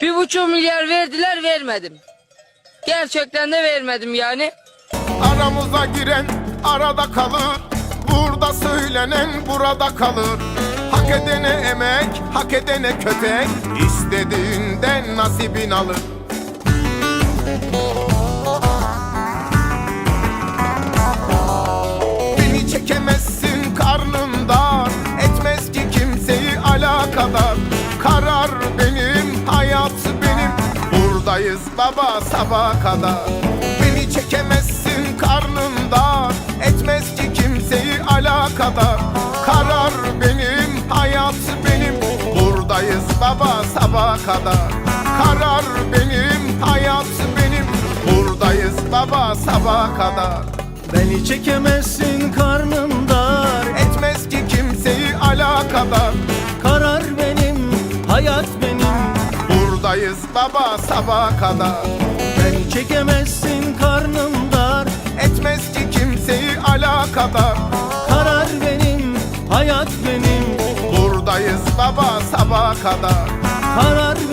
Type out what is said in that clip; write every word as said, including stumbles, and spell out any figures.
Bir buçuk milyar verdiler, vermedim. Gerçekten de vermedim yani. Aramıza giren arada kalır, burada söylenen burada kalır. Hak edene emek, hak edene kötek, istediğinden nasibin alır. Beni çekemezsin karnım dar, etmez ki kimseyi alakadar. Karar benim, hayat benim, buradayız baba sabaha kadar. Beni çekemezsin karnım dar, etmez ki kimseyi alakadar. Karar benim, hayat benim, buradayız baba sabaha kadar. Karar benim, hayat benim, buradayız baba sabaha kadar. Beni çekemezsin karnım dar, Etmez ki kimseyi alakadar. karar benim, hayat benim. Buradayız baba sabaha kadar. Beni çekemezsin karnım dar, Etmez ki kimseyi alakadar. karar benim, hayat benim. Buradayız baba sabaha kadar. Karar